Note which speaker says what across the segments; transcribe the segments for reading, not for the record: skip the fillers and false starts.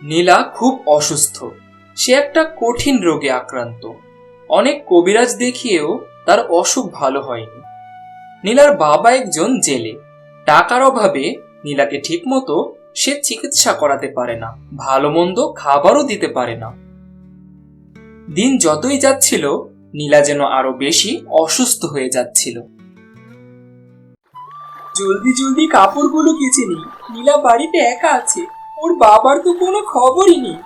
Speaker 1: নীলা খুব অসুস্থ। সে একটা কঠিন রোগে আক্রান্ত। অনেক কবিরাজ দেখিয়েও তার অসুখ ভালো হয়নি। নীলার বাবা একজন জেলে। টাকার অভাবে নীলাকে ঠিকমতো সে চিকিৎসা করাতে পারে না, ভালো মন্দ খাবারও দিতে পারে না। দিন যতই যাচ্ছিল নীলা যেন আরো বেশি অসুস্থ হয়ে যাচ্ছিল।
Speaker 2: জলদি জলদি কাপড়গুলো কেচে নি। নীলা বাড়িতে একা আছে, ওর বাবার তো কোনো খবরই নেই।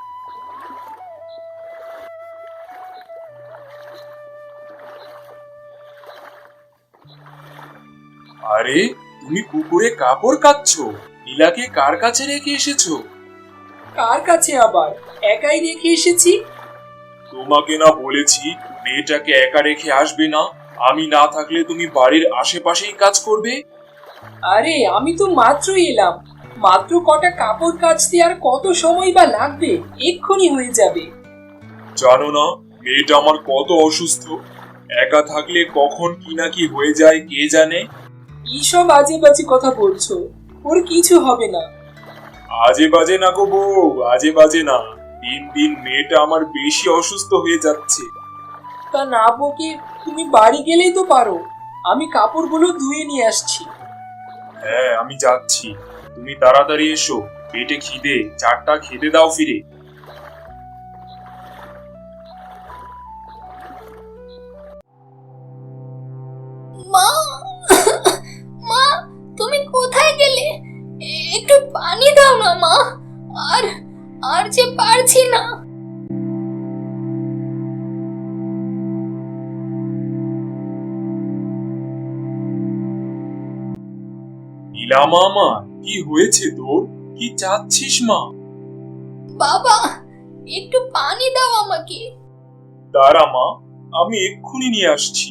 Speaker 3: আরে, তুমি পুকুরে কাপড় কাচ্ছো? নীলাকে কার কাছে রেখে এসেছো?
Speaker 2: কার কাছে আবার, একাই রেখে এসেছি।
Speaker 3: তোমাকে না বলেছি মেয়েটাকে একা রেখে আসবে না? আমি না থাকলে তুমি বাড়ির আশেপাশেই কাজ করবে।
Speaker 2: আরে আমি তো মাত্রই এলাম, মাত্র কটা কাপড় কাচতে আর কত সময় বা লাগবে, এক্ষুনি হয়ে যাবে।
Speaker 3: জানো না মেয়েটা আমার কত অসুস্থ? একা থাকলে কখন কি না কি হয়ে যায় কে জানে।
Speaker 2: এইসব আজে বাজে কথা বলছো, ওর কিছু হবে না।
Speaker 3: আজে বাজে না গো বউ, আজে বাজে না। দিন দিন মেয়েটা আমার বেশি অসুস্থ হয়ে যাচ্ছে।
Speaker 2: তা না বকে তুমি বাড়ি গেলেই তো পারো, আমি কাপড়গুলো ধুয়ে নিয়ে আসছি।
Speaker 3: হ্যাঁ, আমি যাচ্ছি। তুমি তাড়াতাড়ি এসো, পেটে খিদে, চারটা খেতে দাও ফিরে।
Speaker 4: মা, মা, তুমি কোথায় গেলে? একটু পানি দাও না মা। আর আর যে পারছি না।
Speaker 3: নীলা মামা, কি হয়েছে তোর? কি চাচ্ছিস মা?
Speaker 4: বাবা, একটু পানি দাও আমাকে।
Speaker 3: দাঁড়া মা, আমি এক্ষুনি নিয়ে আসছি।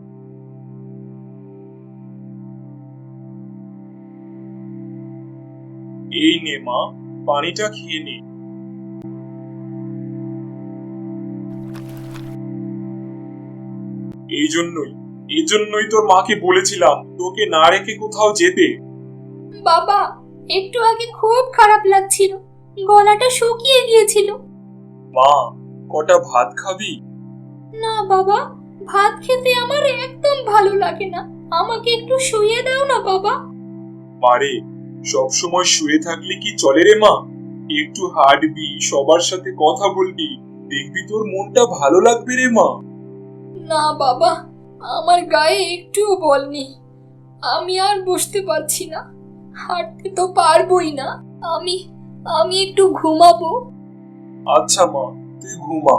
Speaker 3: এই নে মা, পানিটা খেয়ে নে। এই জন্যই তোর মাকে বলেছিলাম তোকে না রেখে কোথাও যেতে।
Speaker 4: বাবা, একটু আগে খুব খারাপ লাগছিল, গলাটা শুকিয়ে গিয়েছিল।
Speaker 3: মা, কটা ভাত খাবি?
Speaker 4: না বাবা, ভাত খেতে আমার একদম ভালো লাগে না, আমাকে একটু শুইয়ে দাও না বাবা।
Speaker 3: মারে, সব সময় শুয়ে থাকলে কি চলে রে মা? একটু হাঁটবি, সবার সাথে কথা বলবি, দেখবি তোর মনটা ভালো লাগবে রে মা।
Speaker 4: না বাবা, আমার গায়ে একটুও বল নেই, আমি আর বসতে পারছি না, হাঁটতে তো পারবোই না। আমি আমি একটু ঘুমাবো।
Speaker 3: আচ্ছা মা, তুই ঘুমা।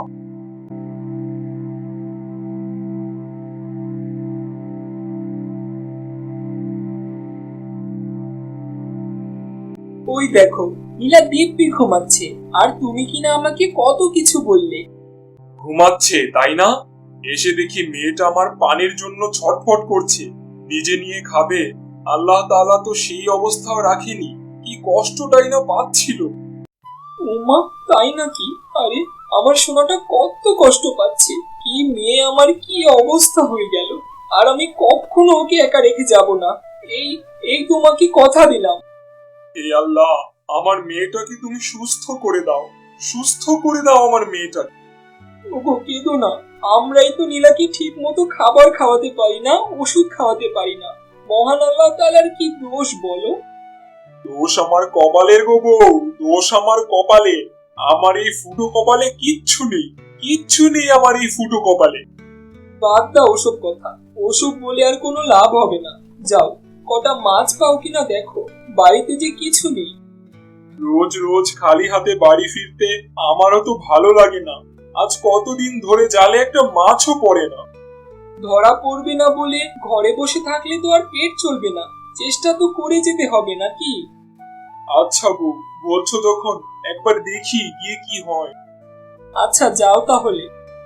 Speaker 2: ওই দেখো, নীলা দিব্যি ঘুমাচ্ছে, আর তুমি কিনা আমাকে কত কিছু বললে।
Speaker 3: ঘুমাচ্ছে তাই না? এসে দেখি মেয়েটা আমার পানির জন্য ছটফট করছে, নিজে নিয়ে খাবে। আল্লাহ তাআলা তো সেই অবস্থাও রাখেনি, কি কষ্টটাই না পাচ্ছিল।
Speaker 2: ওমা, তাই নাকি? আরে আমার সোনাটা কত কষ্ট পাচ্ছে, কি মেয়ে আমার, কি অবস্থা হয়ে গেল। আর আমি কখনো ওকে একা রেখে যাব না, এই এই তোমাকে কথা দিলাম।
Speaker 3: হে আল্লাহ, আমার মেয়েটাকে তুমি সুস্থ করে দাও, সুস্থ করে দাও আমার মেয়েটাকে।
Speaker 2: ওগো কেঁদো না, আমরাই তো নীলাকে ঠিক মতো খাবার খাওয়াতে পারি না, ওষুধ খাওয়াতে পারি না। মহান আল্লাহ তাআলার কি দোষ বলো?
Speaker 3: দোষ আমার কপালের গো বউ, দোষ আমার কপালে। আমার এই ফুটো কপালে কিচ্ছু নেই, কিচ্ছু নেই আমার এই ফুটো কপালে।
Speaker 2: বাদ দাও ওসব কথা, ওসব বলে আর কোনো লাভ হবে না। যাও, কটা মাছ পাও কিনা দেখো, বাড়িতে যে কিছু নেই।
Speaker 3: রোজ রোজ খালি হাতে বাড়ি ফিরতে আমারও তো ভালো লাগে না। আজ কতদিন ধরে জালে একটা মাছও পড়ে না।
Speaker 2: ধরা পড়বে না বলে ঘরে বসে থাকলে তো আর পেট চলবে না, চেষ্টা তো করে যেতে হবে নাকি?
Speaker 3: আচ্ছা বউ, বলছো তখন একবার দেখি গিয়ে কি হয়।
Speaker 2: আচ্ছা যাও তাহলে।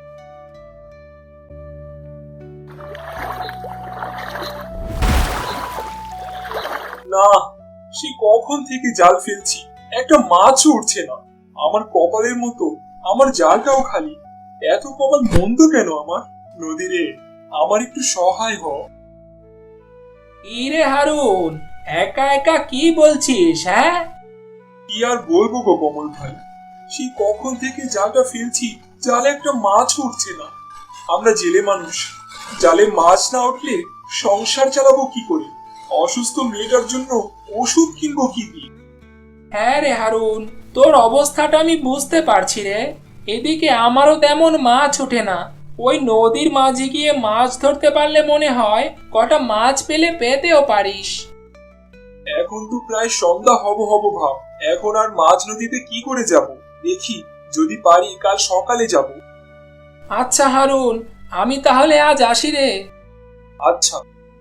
Speaker 3: না, সে কখন থেকে জাল ফেলছি, একটা মাছও উঠছে না। আমার কপালের মতো আমার জালটাও খালি। এত কপাল মন্দ কেন আমার? নদীরে, আমার একটু সহায় হ।
Speaker 2: ইরে হারুন, একা একা কি বলছিস? হ্যাঁ,
Speaker 3: কি আর বলবো গো কমল ভাই, সেই কখন থেকে জালটা ফেলছি, জালে একটা মাছ উঠছে না। আমরা জেলে মানুষ, জালে মাছ না উঠলে সংসার চালাবো কি করে? অসুস্থ মেয়েটার জন্য ওষুধ কিনবো কি দিয়ে?
Speaker 1: হ্যাঁ রে হারুন, তোর অবস্থাটা আমি বুঝতে পারছি রে। এদিকে আমারও তেমন মাছ ওঠে না। ওই নদীর মাঝে গিয়ে মাছ ধরতে পারলে মনে হয় কটা মাছ পেলে পেতেও পারিস।
Speaker 3: এখন তো প্রায় সন্ধ্যা হব হব ভাব, এখন আর মাঝ নদীতে কি করে যাব? দেখি, যদি পারি কাল সকালে যাব।
Speaker 1: আচ্ছা হারুন, আমি তাহলে আজ আসি রে।
Speaker 3: আচ্ছা।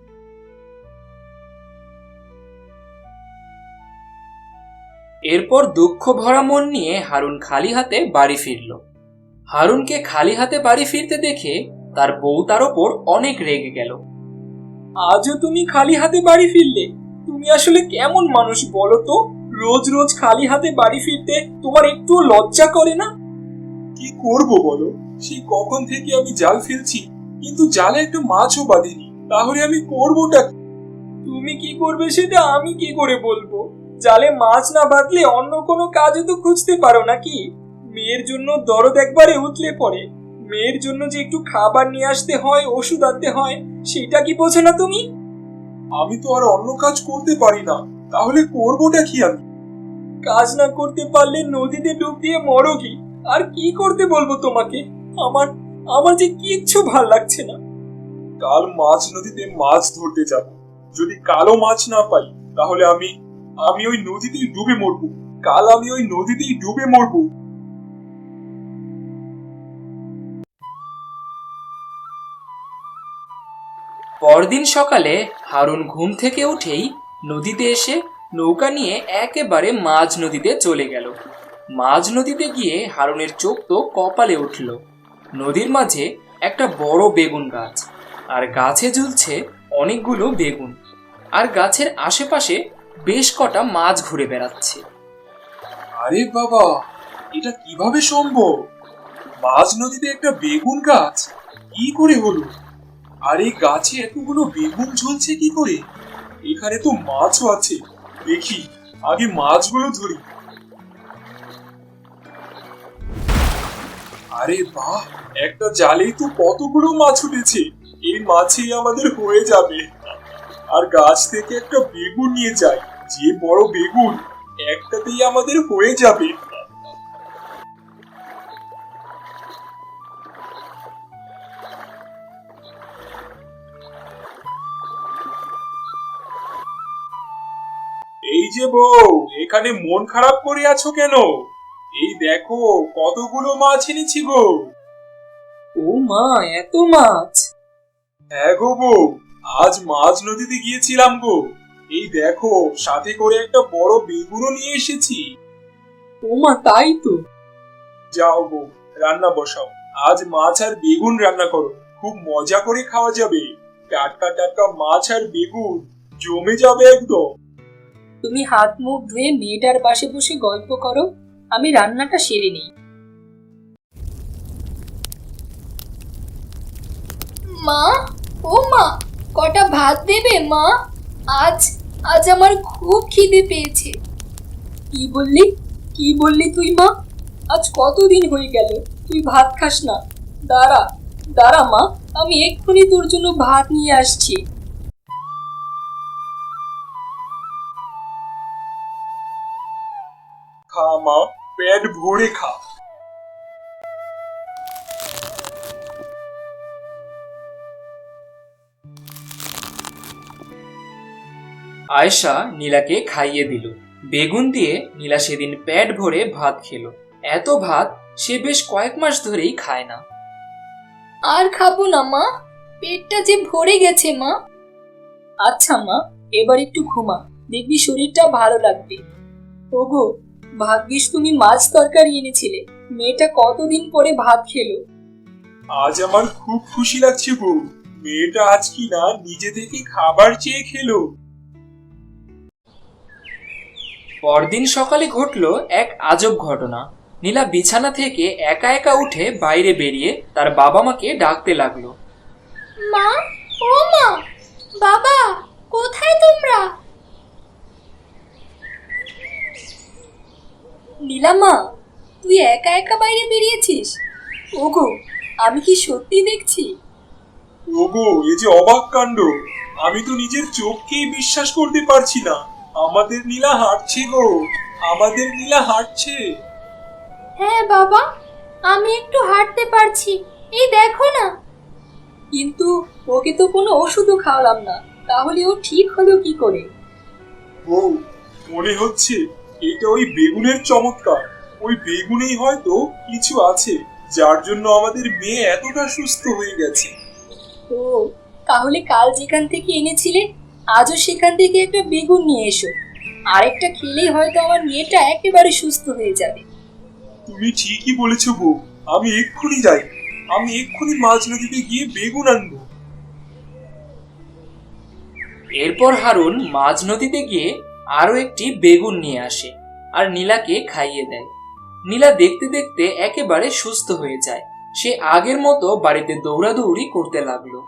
Speaker 1: এরপর দুঃখ ভরা মন নিয়ে হারুন খালি হাতে বাড়ি ফিরল। হারুনকে খালি হাতে বাড়ি ফিরতে দেখে তার বউ তার ওপর অনেক রেগে গেল।
Speaker 2: আজও তুমি খালি হাতে বাড়ি ফিরলে? তুমি আসলে কেমন মানুষ বলো তো? রোজ রোজ খালি হাতে বাড়ি ফিরতে তোমার একটুও লজ্জা করে না?
Speaker 3: কি করব বলো, সেই কখন থেকে আমি জাল ফেলছি, কিন্তু জালে একটা মাছও বাঁধেনি। তাহলে আমি করবোটা কি?
Speaker 2: তুমি কি করবে সেটা আমি কি করে বলবো? জালে মাছ না বাঁধলে অন্য কোনো কাজও তো খুঁজতে পারো নাকি? মেয়ের জন্য দরদ একবারে উতলে পড়ে। মেয়ের জন্য যে একটু খাবার নিয়ে আসতে হয়, ওষুধ আনতে হয়, সেটা কি বোঝো না তুমি?
Speaker 3: আমি তো আর অন্য কাজ করতে পারি না, তাহলে করবোটা কি আমি?
Speaker 2: কাজ না করতে পারলে নদীতে ডুব দিয়ে মরো কি? আর কি করতে বলবো তোমাকে? আমার আমার যে কিচ্ছু ভাল লাগছে না।
Speaker 3: কাল মাছ নদীতে মাছ ধরতে যাব। যদি কালো মাছ না পাই, তাহলে আমি আমি ওই নদীতেই ডুবে মরবো। কাল আমি ওই নদীতেই ডুবে মরবো।
Speaker 1: পরদিন সকালে হারুন ঘুম থেকে উঠেই নদীতে এসে নৌকা নিয়ে একেবারে মাঝ নদীতে চলে গেল। মাঝ নদীতে গিয়ে হারুনের চোখ তো কপালে উঠল। নদীর মাঝে একটা বড় বেগুন গাছ, আর গাছে ঝুলছে অনেকগুলো বেগুন, আর গাছের আশেপাশে বেশ কটা মাছ ঘুরে বেড়াচ্ছে।
Speaker 3: আরে বাবা, এটা কিভাবে সম্ভব? মাঝ নদীতে একটা বেগুন গাছ কি করে হলো? আর এই গাছে এতগুলো বেগুন ঝুলছে কি করে? এখানে তো মাছও আছে, দেখি আগে মাছগুলো ধরি। আরে বাহ, একটা জালেই তো কতগুলো মাছ উঠেছে। এই মাছই আমাদের হয়ে যাবে। আর গাছ থেকে একটা বেগুন নিয়ে যাই, যে বড় বেগুন, একটাতেই আমাদের হয়ে যাবে। এই যে বউ, এখানে মন খারাপ করে আছো কেন? এই দেখো কতগুলো মাছ এনেছি গো।
Speaker 2: ও মা, এত মাছ!
Speaker 3: হ্যাঁ গো বউ, আজ মাঝ নদীতে গিয়েছিলাম গো। এই দেখো, সাথে করে একটা বড় বেগুনও নিয়ে এসেছি।
Speaker 2: ও মা, তাই তো।
Speaker 3: যাও গো, রান্না বসাও। আজ মাছ আর বেগুন রান্না করো, খুব মজা করে খাওয়া যাবে। টাটকা টাটকা মাছ আর বেগুন জমে যাবে একদম।
Speaker 4: তুমি হাত মুখ ধুয়ে মেয়েটার পাশে বসে গল্প করো, আমি রান্নাটা সেরে নিই। মা, ও মা, কটা ভাত দেবে মা? আজ আজ আমার খুব খিদে পেয়েছে।
Speaker 2: কি বললি? কি বললি তুই মা? আজ কতদিন হয়ে গেল তুই ভাত খাস না? দাঁড়া দাঁড়া মা, আমি এক্ষুনি তোর জন্য ভাত নিয়ে আসছি।
Speaker 3: খা মা, পেট ভরে খা।
Speaker 1: আয়েশা নীলাকে খাইয়ে দিল। বেগুন দিয়ে নীলা সেদিন পেট ভরে ভাত খেলো। এত ভাত সে বেশ কয়েক মাস ধরেই খায় না।
Speaker 4: আর খাবো না মা, পেটটা যে ভরে গেছে মা।
Speaker 2: আচ্ছা মা, এবার একটু ঘুমা, দেখবি শরীরটা ভালো লাগবে। ওগো, ভাগ্যিস তুমি মাছ তরকারি এনেছিলে, মেয়েটা কতদিন পরে ভাত খেলো।
Speaker 3: আজ আমার খুব খুশি লাগছে বউ, মেয়েটা আজ কি না নিজে থেকে খাবার চেয়ে খেলো।
Speaker 1: পরদিন সকালে ঘটল এক আজব ঘটনা। নীলা বিছানা থেকে একা একা উঠে বাইরে বেরিয়ে তার বাবা মাকে ডাকতে লাগলো।
Speaker 4: মা, ও মা, বাবা, কোথায় তোমরা? নীলামা, তুই একা একা বাইরে বেরিয়েছিস? ওগো, আমি কি সত্যি দেখছি?
Speaker 3: ওগো, এ যে অবাক কাণ্ড! আমি তো নিজের চোখকেই বিশ্বাস করতে পারছি না। আমাদের নীলা হাঁটছে গো, আমাদের নীলা হাঁটছে।
Speaker 4: হ্যাঁ বাবা, আমি একটু হাঁটতে পারছি, এই দেখো না। কিন্তু ওকে তো কোনো ওষুধও খাওয়ালাম না, তাহলে ও ঠিক হলো কি করে?
Speaker 3: ও, মনে হচ্ছে এটা ওই বেগুনের চমৎকার। ওই বেগুনেই হয়তো কিছু আছে, যার জন্য আমাদের মেয়ে এতটা সুস্থ হয়ে গেছে।
Speaker 4: ও, তাহলে কাল যেখান থেকে এনেছিলে আজও সেখান থেকে একটা বেগুন নিয়ে এসো। আরেকটা খেলেই হয়তো আমার মেয়েটা একেবারে সুস্থ হয়ে যাবে।
Speaker 3: তুমি ঠিকই বলেছো বউ, আমি এক্ষুনি যাই। আমি এক্ষুনি মাঝ নদীতে গিয়ে বেগুন আনবো।
Speaker 1: এরপর হারুন মাঝ নদীতে গিয়ে আরো একটি বেগুন নিয়ে আসে আর নীলাকে খাইয়ে দেয়। নীলা দেখতে দেখতে একেবারে সুস্থ হয়ে যায়। সে আগের মতো বাড়িতে দৌড়াদৌড়ি করতে লাগলো।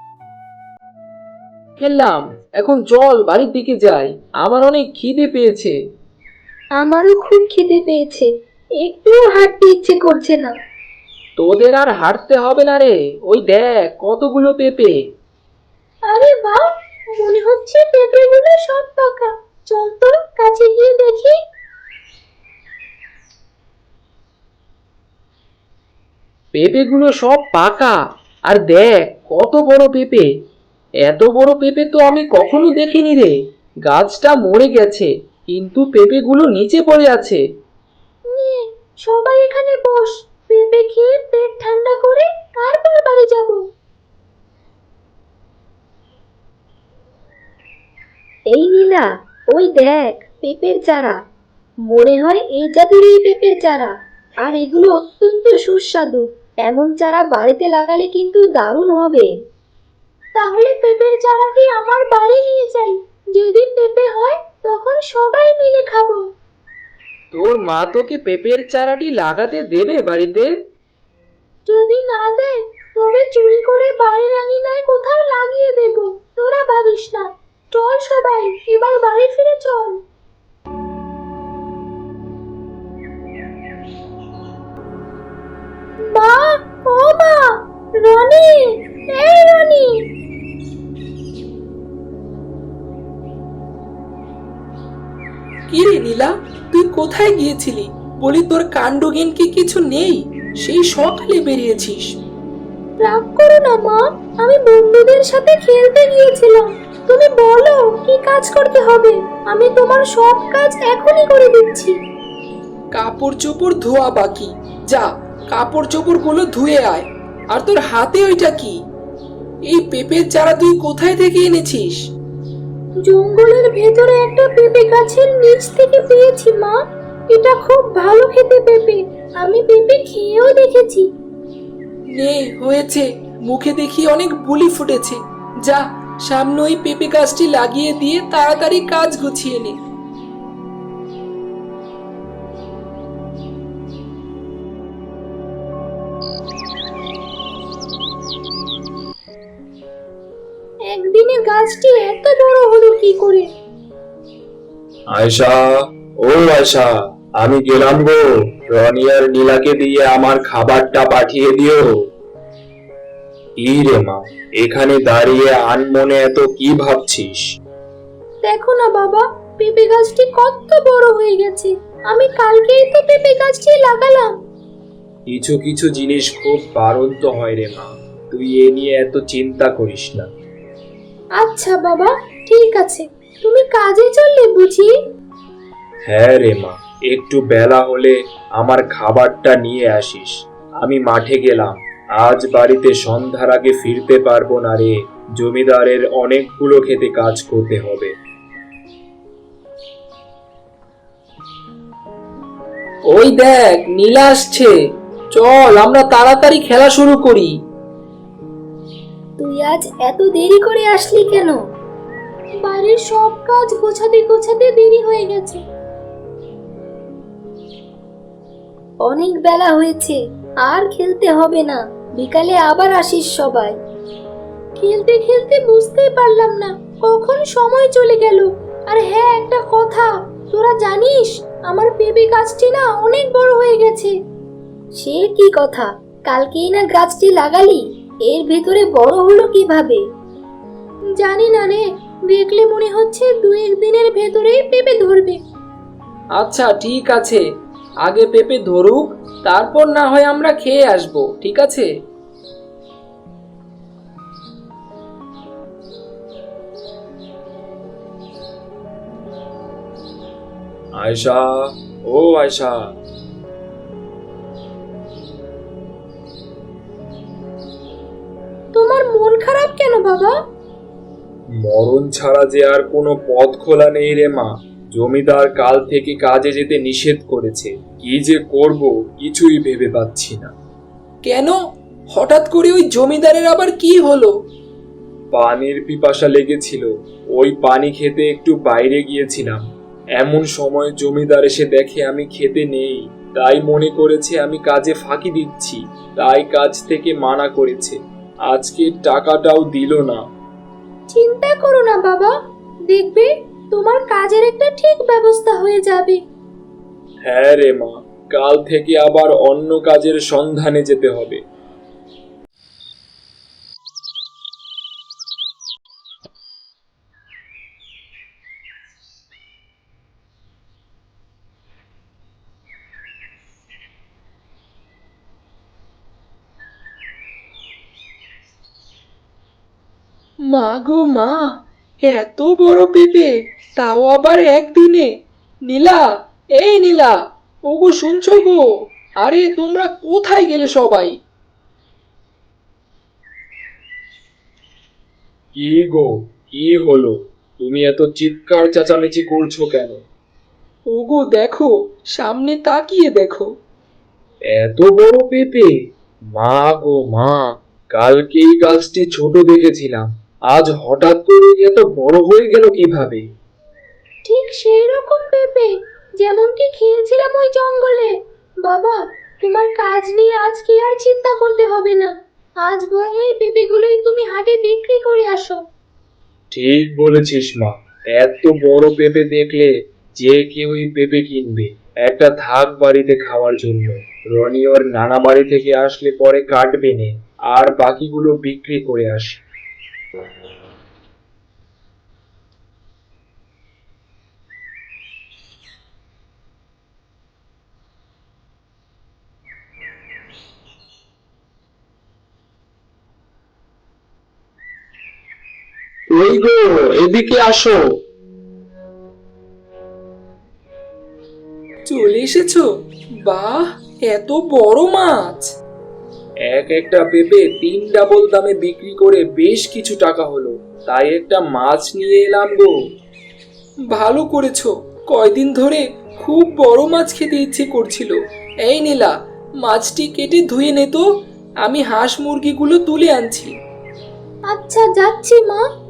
Speaker 2: খেললাম, এখন চল বাড়ির দিকে যাই, আমার অনেক খিদে পেয়েছে।
Speaker 4: আমারও খুব খিদে পেয়েছে, একটুও হাঁটতে ইচ্ছে করছে না।
Speaker 2: তোদের আর হাঁটতে হবে না রে, ওই দেখ কতগুলো পেঁপে।
Speaker 4: আরে বাহ, মনে হচ্ছে পেঁপেগুলো সব পাকা। চল তো কাছে গিয়ে দেখি।
Speaker 2: পেঁপেগুলো সব পাকা, আর দেখ কত বড় পেঁপে। এত বড় পেঁপে তো আমি কখনো দেখিনি রে। গাছটা মরে গেছে, কিন্তু পেঁপেগুলো নিচে পড়ে আছে।
Speaker 4: সবাই এখানে বস, পেঁপে খেয়ে পেট ঠান্ডা করে তারপর বাড়ি যাব। এই নীলা, ওই দেখ পেঁপের চারা। মনে হয় এই জাতেরই পেঁপের চারা, আর এগুলো অত্যন্ত সুস্বাদু। এমন চারা বাড়িতে লাগালে কিন্তু দারুণ হবে। তাহলে পেঁপের চারাটি আমার বাড়ি নিয়ে যাই, যেদিন পেঁপে হয় তখন সবাই মিলে খাবো।
Speaker 2: তোর মা তোকে পেঁপের চারাটি লাগাতে দেবে বাড়িতে?
Speaker 4: যদি না দেয় তবে চুরি করে বাড়ির আঙিনায় কোথাও লাগিয়ে দেব, তোরা ভাবিস না। চল সবাই এবার বাড়ি ফিরে চল। মা, ও মা, রনি, এই রনি।
Speaker 2: কি রে নীলা, তুই কোথায় গিয়েছিলি? বলি তোর কাণ্ডজ্ঞান কি কিছু নেই? সেই সকালে বেরিয়েছিস।
Speaker 4: রাগ করো না মা, আমি বন্ধুদের সাথে খেলতে গিয়েছিলাম। তুমি বলো কি কাজ করতে হবে, আমি তোমার সব কাজ এখনই করে দিচ্ছি।
Speaker 2: কাপড় চোপড় ধোয়া বাকি, যা কাপড় চোপড় গুলো ধুয়ে আয়। আর তোর হাতে ওইটা কি? এই পেঁপের চারা তুই কোথায় থেকে এনেছিস?
Speaker 4: জঙ্গলের ভেতরে একটা পেঁপে গাছের নিচ থেকে পেয়েছি মা। এটা খুব ভালো খেতে পেঁপে, আমি পেঁপে খেয়েও দেখেছি।
Speaker 2: নে হয়েছে, মুখে দেখি অনেক বুলি ফুটেছে। যা সামনে ওই পেঁপে গাছটি লাগিয়ে দিয়ে তাড়াতাড়ি কাজ গুছিয়ে নে।
Speaker 4: একদিনে গাছটি এত বড় হলো কি করে?
Speaker 5: আয়শা, ও আয়শা, আমি গেলাম গো। রনি আর নীলাকে দিয়ে আমার খাবারটা পাঠিয়ে দিও। কি রে মা, এখানে দাঁড়িয়ে আনমনে এত কি ভাবছিস?
Speaker 4: দেখো না বাবা, পেঁপে গাছটি কত বড় হয়ে গেছে। আমি কালকেই তো পেঁপে গাছটি লাগালাম।
Speaker 5: কিছু কিছু জিনিস খুব বাড়ন্ত হয় রে মা, তুই এ নিয়ে এত চিন্তা করিস না।
Speaker 4: আচ্ছা বাবা, ঠিক আছে। তুমি কাজে চললে বুঝি?
Speaker 5: হ্যাঁ রে মা, একটু বেলা হলে আমার খাবারটা নিয়ে আসিস। আমি মাঠে গেলাম, আজ বাড়িতে সন্ধ্যার আগে ফিরতে পারবো না রে। জমিদারের অনেকগুলো খেতে কাজ করতে হবে।
Speaker 2: ওই দেখ নীলা আসছে, চল আমরা তাড়াতাড়ি খেলা শুরু করি।
Speaker 4: তুই আজ এত দেরি করে আসলি কেন? বাড়ির সব কাজ গোছাতে গোছাতে দেরি হয়ে গেছে। অনেক বেলা হয়েছে, আর খেলতে হবে না। বিকালে আবার আসিস সবাই। খেলতে খেলতে বুঝতেই পারলাম না কখন সময় চলে গেল। আর হ্যাঁ, একটা কথা, তোরা জানিস আমার পেঁপে গাছটি না অনেক বড় হয়ে গেছে। সে কি কথা, কালকেই না গাছটি লাগালি, এর ভেতরে বড় হলো কিভাবে? জানি না রে, দেখলে মনে হচ্ছে 2-1 দিনের ভেতরেই পেঁপে ধরবে।
Speaker 1: আচ্ছা ঠিক আছে, আগে পেঁপে ধরুক, তারপর না হয় আমরা খেয়ে আসবো, ঠিক আছে?
Speaker 5: আয়শা, ও আয়শা,
Speaker 4: তোমার মন খারাপ কেন বাবা?
Speaker 5: মরণ ছাড়া যে আর কোনো পথ খোলা নেই রে মা। জমিদার কাল থেকে কাজে যেতে নিষেধ করেছে। কি যে করব কিছুই ভেবে পাচ্ছি না।
Speaker 1: কেন, হঠাৎ করে ওই জমিদারের আবার কি হলো?
Speaker 5: পানির পিপাসা লেগেছিল, ওই পানি খেতে একটু বাইরে গিয়েছিলাম। এমন সময় জমিদার এসে দেখে আমি খেতে নেই, তাই মনে করেছে আমি কাজে ফাঁকি দিচ্ছি, তাই কাজ থেকে মানা করেছে। আজকে টাকাটাও দিল না।
Speaker 4: চিন্তা করো না বাবা, দেখবে তোমার কাজের একটা ঠিক ব্যবস্থা হয়ে যাবে।
Speaker 5: হ্যাঁ রে মা, কাল থেকে আবার অন্য কাজের সন্ধানে যেতে হবে।
Speaker 1: মা গো মা, এত বড় পেঁপে, তাও আবার একদিনে! নীলা, এই নীলা, ওগো শুনছো গো? আরে তোমরা কোথায় গেলে সবাই?
Speaker 5: কি গো, কি হলো? তুমি এত চিৎকার চেঁচামেচি করছো কেন?
Speaker 1: ওগো দেখো, সামনে তাকিয়ে দেখো।
Speaker 5: এত বড় পেঁপে! মা গো মা, কালকেই গাছটি ছোট দেখেছিলাম, আজ হঠাৎ করে এত বড় হয়ে গেল কিভাবে?
Speaker 4: ঠিক সেই রকম পেঁপে যেমনটি খেয়েছিলাম ওই জঙ্গলে। বাবা, তোমার কাজ নিয়ে আজকে আর চিন্তা করতে হবে না। আজ বরং এই পেঁপেগুলোই তুমি হাটে বিক্রি করে আসো।
Speaker 5: ঠিক বলেছিস মা, এত বড় পেঁপে দেখলে যে কেউই পেঁপে কিনবে। একটা থাক বাড়িতে খাওয়ার জন্য, রনি ওর নানা বাড়ি থেকে আসলে পরে কাটবে নে, আর বাকিগুলো বিক্রি করে আসি।
Speaker 1: ওই গো, এদিকে আসো। চলে এসেছো? বাহ, এত বড় মাছ!
Speaker 5: এক একটা পেঁপে 3 ডাবল দামে বিক্রি করে বেশ কিছু টাকা হলো, তাই একটা মাছ নিয়ে এলাম গো।
Speaker 1: ভালো করেছো, কয়দিন ধরে খুব বড় মাছ খেতে ইচ্ছে করছিল। এই নীলা, মাছটি কেটে ধুয়ে নে তো, আমি হাঁস মুরগিগুলো তুলে আনছি।
Speaker 4: আচ্ছা, যাচ্ছি মা।